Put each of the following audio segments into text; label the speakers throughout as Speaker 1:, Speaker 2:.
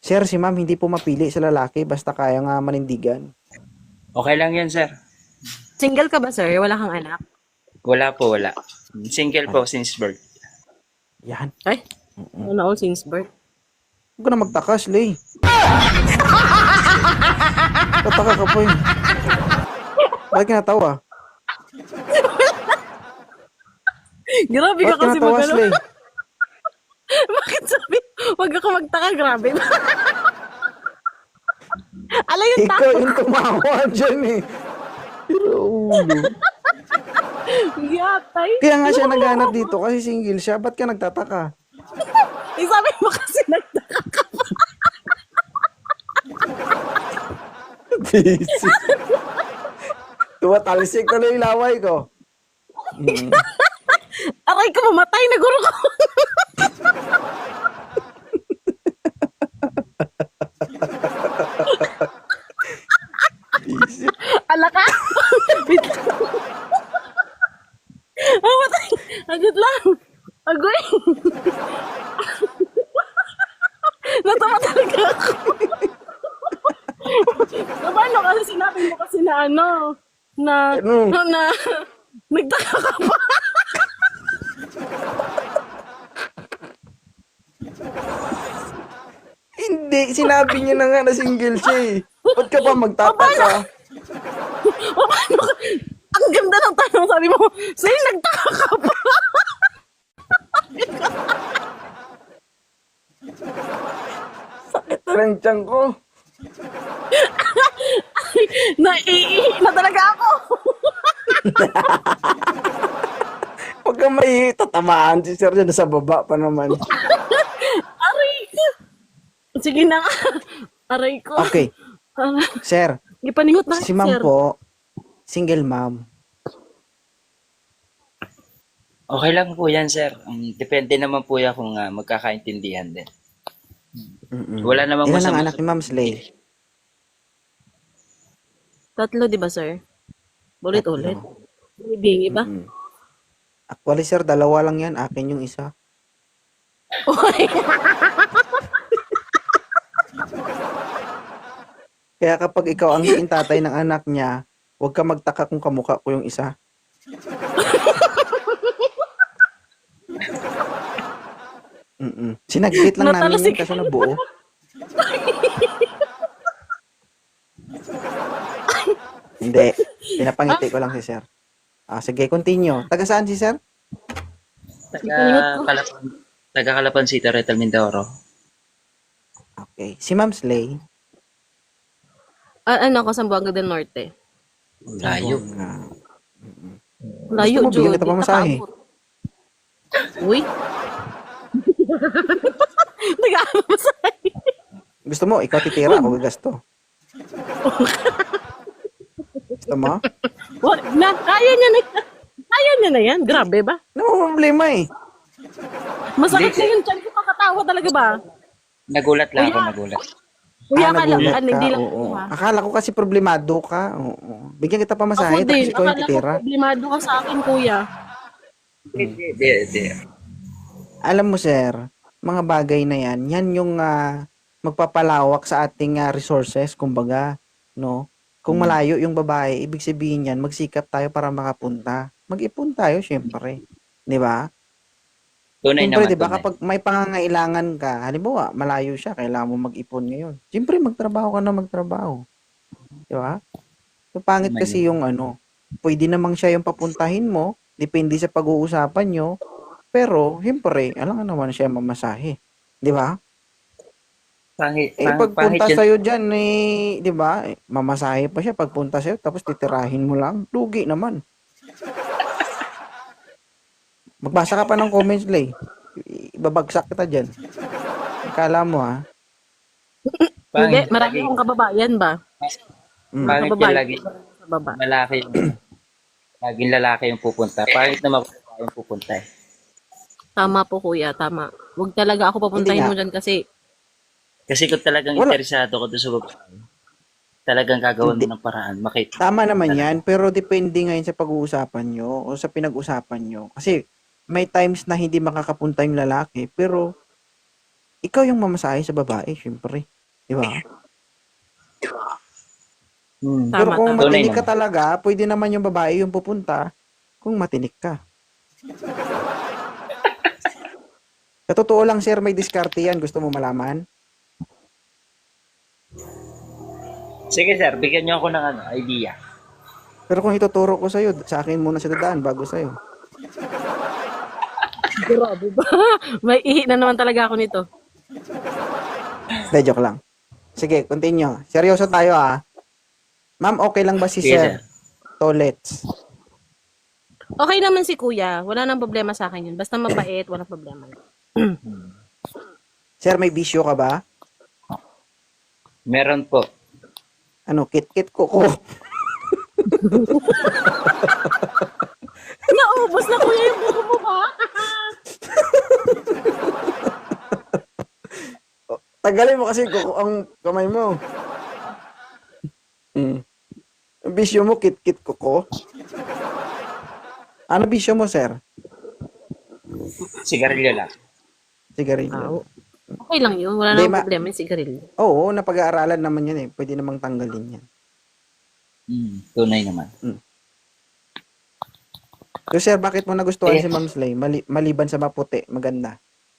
Speaker 1: Sir, si ma'am hindi po mapili sa lalaki basta kaya nga manindigan.
Speaker 2: Okay lang yan, sir.
Speaker 3: Single ka ba, sir? Wala kang anak?
Speaker 2: Wala po, wala. Single po
Speaker 1: Yan.
Speaker 2: since birth.
Speaker 1: Yan.
Speaker 3: Ay, ano all since birth.
Speaker 1: Huwag ka na magtakas, Lay. Tataka ka po eh. Bakit ka natawa?
Speaker 3: Grabe ka
Speaker 1: Bakit ka
Speaker 3: kasi
Speaker 1: natawa,
Speaker 3: magano.
Speaker 1: Slay?
Speaker 3: Bakit sabi, wag ako magtaka, grabe. Ala yung
Speaker 1: Ikaw yung tumawa dyan eh. Pero ulo.
Speaker 3: yatay.
Speaker 1: Kaya nga siya naghanap dito kasi single siya. Ba't ka nagtataka?
Speaker 3: Eh, sabi mo kasi nagtaka.
Speaker 1: Busy. Tumatalisik na yung laway ko.
Speaker 3: Aray ka, mamatay na guro ko.
Speaker 1: Busy.
Speaker 3: Ala ka. Wait lang. Mamatay. Agad lang. Agoy. Natawa talaga ako. Paano kasi sinabi mo kasi na ano, na,
Speaker 1: Ano?
Speaker 3: nagtaka ka pa.
Speaker 1: Hindi, sinabi niya na nga na single siya eh. Ba't ka pa magtataka?
Speaker 3: Paano ka? Ang ganda ng tanong, sabi mo, sa'yo nagtaka ka pa.
Speaker 1: Parang tiyan ko.
Speaker 3: Naiihi na talaga ako.
Speaker 1: Huwag ka may tatamaan si Sir dyan sa baba pa naman.
Speaker 3: Aray ko. Sige na nga. Aray ko.
Speaker 1: Okay, Sir,
Speaker 3: Ipaningot na
Speaker 1: si
Speaker 3: sir.
Speaker 1: ma'am po, single ma'am.
Speaker 2: Okay lang po yan, sir. Depende naman po yan kung magkakaintindihan din. Wala namang
Speaker 1: Ilan ang
Speaker 2: masama.
Speaker 1: anak ni Ma'am Slay?
Speaker 3: Tatlo, di ba, sir? Ulit-ulit. Bingi ba?
Speaker 1: Actually, Sir, dalawa lang yan. Akin yung isa. Kaya kapag ikaw ang naging tatay ng anak niya, huwag ka magtaka kung kamukha ko yung isa. Sinaglit lang namin
Speaker 3: Natalasik.
Speaker 1: yun kasi nabuo. Hindi. Pinapangiti ko lang si Sir. Sige, continue. Taga saan si Sir?
Speaker 2: Taga Calapan City, Retal Mindoro.
Speaker 1: Okay. Si Ma'am Slay.
Speaker 3: Ano ako, Sambuanga del Norte.
Speaker 2: Layo.
Speaker 3: Layo,
Speaker 1: Gusto mo, bigyan
Speaker 3: Jude.
Speaker 1: kita pamasahe.
Speaker 3: Uy. Nag-aamasay.
Speaker 1: Gusto mo, ikaw titira, ako gasto. Gusto mo?
Speaker 3: Wag na. Kaya niya na yan. Kaya niya na yan. Grabe ba?
Speaker 1: No problema eh.
Speaker 3: Masakit na yung chan ko kakatawa talaga ba?
Speaker 2: Nagulat lang ako, nagulat.
Speaker 3: Kuya ka lang.
Speaker 1: nagulat
Speaker 3: Hindi lang
Speaker 1: oo.
Speaker 3: ako ha.
Speaker 1: Akala ko kasi problemado ka. Oo. Bigyan kita
Speaker 3: Ako
Speaker 1: pamasahe,
Speaker 3: din.
Speaker 1: tapos ikaw yung
Speaker 3: Akala ko
Speaker 1: titira.
Speaker 3: problemado ka sa akin, kuya.
Speaker 2: Hindi.
Speaker 1: Alam mo, sir, mga bagay na yan yung magpapalawak sa ating resources, kumbaga, no? Kung malayo yung babae, ibig sabihin yan, magsikap tayo para makapunta. Mag-ipon tayo, syempre. Di ba?
Speaker 2: Tunay
Speaker 1: Siyempre,
Speaker 2: naman,
Speaker 1: di ba,
Speaker 2: tunay.
Speaker 1: kapag may pangangailangan ka, halimbawa, malayo siya, kailangan mo mag-ipon ngayon. Siyempre, magtrabaho ka na magtrabaho. Di ba? So, pangit kasi yung pwede namang siya yung papuntahin mo, depende sa pag-uusapan nyo, pero, siyempre, alam nga naman siya mamasahe. Di ba?
Speaker 2: Pangit
Speaker 1: Pagpunta
Speaker 2: yun.
Speaker 1: sa'yo dyan, di ba, mamasahe pa siya, pagpunta sa'yo, tapos titirahin mo lang, lugi naman. Magbasa ka pa ng comments, Lay. Ibabagsak kita dyan. Akala mo, ha?
Speaker 3: Hindi,
Speaker 2: Pangit,
Speaker 3: marami akong kababayan ba?
Speaker 2: pangit yung
Speaker 3: Kababayan
Speaker 2: lagi,
Speaker 3: sa baba.
Speaker 2: lalaki yung, laging lalaki yung pupunta. Pangit naman kung lalaki yung pupunta eh.
Speaker 3: Tama po, kuya. Tama. Huwag talaga ako papuntahin
Speaker 1: Hindi
Speaker 3: mo
Speaker 1: nga.
Speaker 3: dyan kasi
Speaker 2: Kasi kung talagang
Speaker 1: Wala.
Speaker 2: interesado ko doon sa babae, talagang gagawin mo ng paraan. Makita.
Speaker 1: Tama naman yan, pero depende ngayon sa pag-uusapan nyo o sa pinag-usapan nyo. Kasi may times na hindi makakapunta yung lalaki, pero ikaw yung mamasahe sa babae, syempre. Di ba? Pero
Speaker 3: Tama,
Speaker 1: kung
Speaker 3: tama.
Speaker 2: Tunay
Speaker 1: matinik ka
Speaker 2: naman.
Speaker 1: talaga, pwede naman yung babae yung pupunta kung matinik ka. Sa totoo lang, sir, may diskarte yan. Gusto mo malaman?
Speaker 2: Sige sir, bigyan niyo ako ng idea.
Speaker 1: Pero kung ituturo ko sa'yo, sa akin muna siya dadaan bago sa'yo.
Speaker 3: Grabe ba? May ihi na naman talaga ako nito.
Speaker 1: Hindi, joke lang. Sige, continue. Seryoso tayo Ma'am, okay lang ba si
Speaker 2: Sige
Speaker 1: Sir
Speaker 2: sir.
Speaker 1: Tolets?
Speaker 3: Okay naman si kuya. Wala nang problema sa akin yun. Basta mabait, walang problema.
Speaker 1: Sir, may bisyo ka ba?
Speaker 2: Meron po.
Speaker 1: Ano, kit-kit ko.
Speaker 3: Naubos na kuya yung buko mo ba?
Speaker 1: Tagalin mo kasi ang kamay mo. Ang bisyo mo, kit-kit ko. Ano bisyo mo, sir?
Speaker 2: Sigarilyo lang.
Speaker 1: Sigarilyo.
Speaker 3: Okay lang yun. Wala
Speaker 1: Hindi,
Speaker 3: nang problema yung sigarilyo.
Speaker 1: Oo, napag-aaralan naman yan Pwede namang tanggalin yan.
Speaker 2: Tunay naman.
Speaker 1: So, sir, bakit mo nagustuhan
Speaker 2: Eh.
Speaker 1: si Ma'am Slay? Maliban sa maputi, maganda.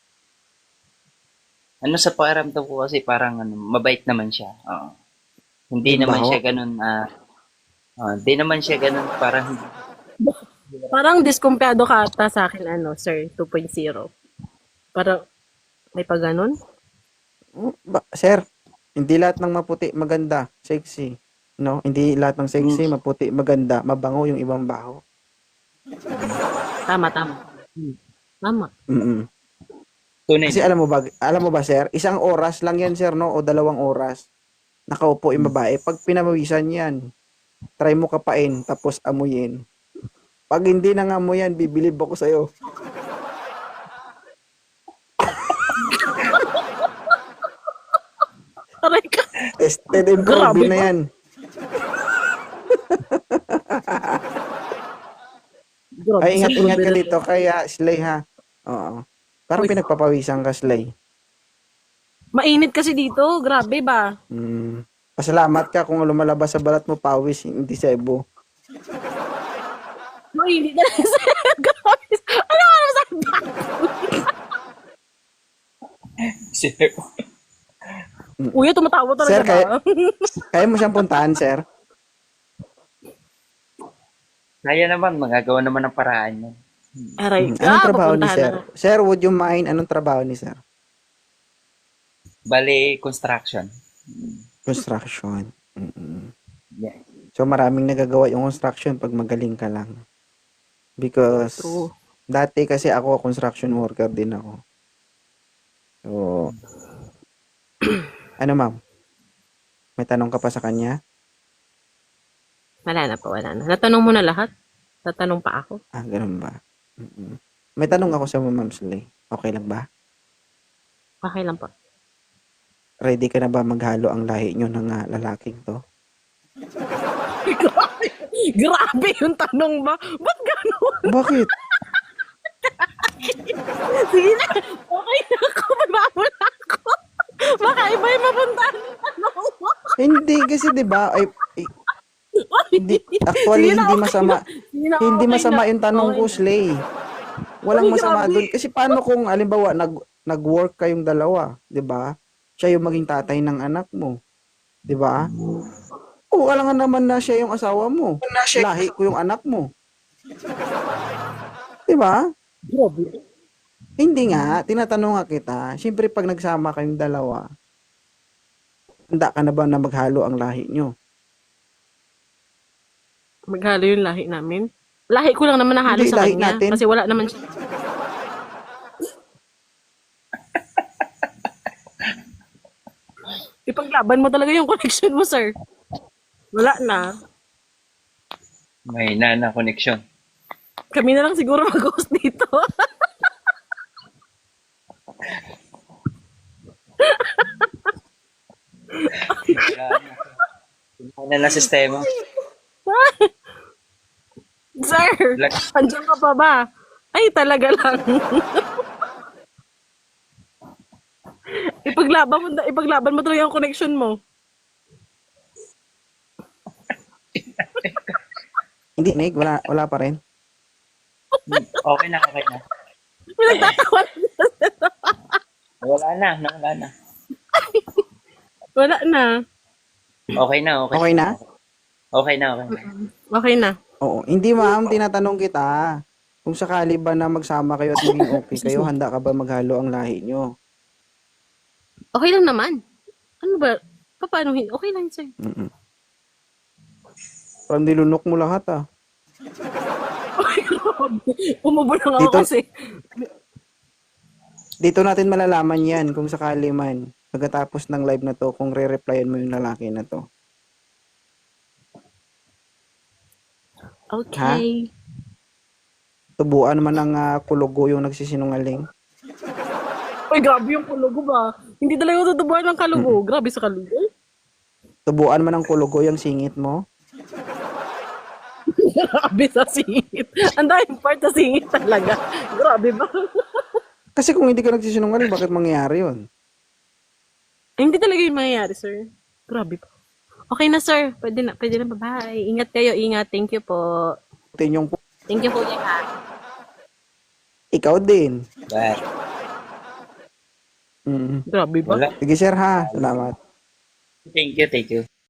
Speaker 2: Ano sa pakiramdam ko kasi parang mabait naman siya. Oo. Hindi
Speaker 1: Yung
Speaker 2: naman
Speaker 1: baho.
Speaker 2: siya ganun, hindi naman siya ganun parang,
Speaker 3: Parang diskumpiyado ka ata sa akin, sir, 2.0. Parang, may pa ganun?
Speaker 1: Sir, hindi lahat ng maputi maganda, sexy. No? Hindi lahat ng sexy, maputi, maganda, mabango yung ibang baho.
Speaker 3: Tama. Tama.
Speaker 2: tunay
Speaker 1: Kasi
Speaker 2: naman.
Speaker 1: alam mo ba, sir, isang oras lang yan, sir, no? O 2 oras. Nakaupo yung babae. Pag pinawisan yan, try mo kapain, tapos amuyin. Pag hindi nang amuyan, bibilib ako sa'yo.
Speaker 3: Aray ka.
Speaker 1: Tested and
Speaker 3: Grabe
Speaker 1: proven na
Speaker 3: ba?
Speaker 1: yan.
Speaker 3: Grabe,
Speaker 1: Ay, ingat-ingat ka
Speaker 3: sir.
Speaker 1: dito, kaya Slay, ha? Oo. Parang
Speaker 3: Uy.
Speaker 1: pinagpapawisan ka, Slay.
Speaker 3: Mainit kasi dito. Grabe ba?
Speaker 1: Pasalamat ka kung lumalabas sa balat mo pawis, hindi sebo.
Speaker 3: Mainit na lang, sir. Grabe. Ano ka naman sa
Speaker 2: Sir,
Speaker 3: Kuya, tumatawa talaga
Speaker 1: Sir,
Speaker 3: ba?
Speaker 1: Kaya mo siyang puntahan, sir?
Speaker 2: kaya naman, magagawa naman ng paraan yan.
Speaker 3: Aray ka.
Speaker 1: Anong trabaho ni
Speaker 3: Papuntahan
Speaker 1: sir?
Speaker 3: na.
Speaker 1: Sir, would you mind anong trabaho ni sir?
Speaker 2: Bale, construction.
Speaker 1: Construction.
Speaker 2: Yeah.
Speaker 1: So, maraming nagagawa yung construction pag magaling ka lang. Because,
Speaker 3: True.
Speaker 1: dati kasi ako, construction worker din ako. So, ano ma'am? May tanong ka pa sa kanya?
Speaker 3: Wala na po, wala na. Natanong mo na lahat? Tatanong pa ako?
Speaker 1: Ganun ba? May tanong ako sa Ma'am Slay. Okay lang ba?
Speaker 3: Okay lang po.
Speaker 1: Ready ka na ba maghalo ang lahi nyo ng lalaking to?
Speaker 3: Grabe yung tanong ba? Ba't gano'n?
Speaker 1: Bakit?
Speaker 3: Sige na. Okay na ako. Magbabula ako. Baka iba yung mapuntahan ng tanong mo.
Speaker 1: Hindi kasi 'di ba? Hindi, actually
Speaker 3: Sige na,
Speaker 1: hindi
Speaker 3: okay
Speaker 1: masama.
Speaker 3: na. Sige na,
Speaker 1: Hindi
Speaker 3: okay
Speaker 1: masama
Speaker 3: na.
Speaker 1: yung tanong
Speaker 3: Okay
Speaker 1: ko,
Speaker 3: na.
Speaker 1: Slay. Walang
Speaker 3: Uy,
Speaker 1: masama
Speaker 3: grabe.
Speaker 1: doon kasi paano kung halimbawa nag-work kayong dalawa, 'di ba? Siya yung maging tatay ng anak mo, 'di ba? O alangan naman na siya yung asawa mo. Lahi ko yung anak mo. 'Di ba?
Speaker 3: Grabe.
Speaker 1: Hindi nga, tinatanong nga kita. Siyempre pag nagsama kayong dalawa, handa ka na ba na maghalo ang lahi nyo?
Speaker 3: Maghalo yung lahi namin. Lahi ko lang naman nahalo
Speaker 1: Hindi,
Speaker 3: sa
Speaker 1: lahi
Speaker 3: kanya.
Speaker 1: natin.
Speaker 3: Kasi wala naman siya. Ipaglaban mo talaga yung connection mo, sir. Wala na.
Speaker 2: May na connection.
Speaker 3: Kami na lang siguro mag-host dito.
Speaker 2: Wala na sistema.
Speaker 3: Sir,
Speaker 2: Like-
Speaker 3: andyan ka pa ba? Ay, talaga lang. ipaglaban mo talaga yung connection mo.
Speaker 1: Hindi, Nick, wala pa rin.
Speaker 2: Okay na, okay na.
Speaker 3: May nagtatawa.
Speaker 2: Wala na, wala na.
Speaker 3: Wala na.
Speaker 2: Okay na, okay.
Speaker 1: Okay na?
Speaker 2: Okay na, okay na.
Speaker 3: Okay na.
Speaker 1: Oo. Hindi, ma'am, tinatanong kita. Kung sakali ba na magsama kayo at maging okay kayo, handa ka ba maghalo ang lahi nyo?
Speaker 3: Okay lang naman. Ano ba? Paano? Okay lang, sir.
Speaker 1: Mm-mm. Parang nilunok mo lahat, ah.
Speaker 3: Umubo lang ako
Speaker 1: Dito-
Speaker 3: kasi.
Speaker 1: Dito natin malalaman yan kung sakali man. Pagkatapos ng live na to, kung re-replyan mo yung lalaki na to.
Speaker 3: Okay.
Speaker 1: Tubuan man ng kulugo yung nagsisinungaling.
Speaker 3: Uy, grabe yung kulugo ba? Hindi talaga ako tutubuhan ng kalugo. Grabe sa kalugo.
Speaker 1: Tubuan man ng kulugo yung singit mo.
Speaker 3: Grabe sa singit. Ang daming part sa singit talaga. Grabe ba?
Speaker 1: Kasi kung hindi ka nagsisinungaling, bakit mangyayari yun?
Speaker 3: Ay, hindi talaga yung mangyayari, sir. Grabe pa. Okay na, sir. Pwede na. Bye-bye. Ingat kayo. Ingat. Thank you po.
Speaker 1: Yung
Speaker 3: Thank you po, ha.
Speaker 1: ikaw din.
Speaker 2: Bye.
Speaker 1: Mm.
Speaker 3: Grabe ba?
Speaker 2: Wala.
Speaker 1: Sige, sir, ha. Salamat.
Speaker 2: Thank you, thank you.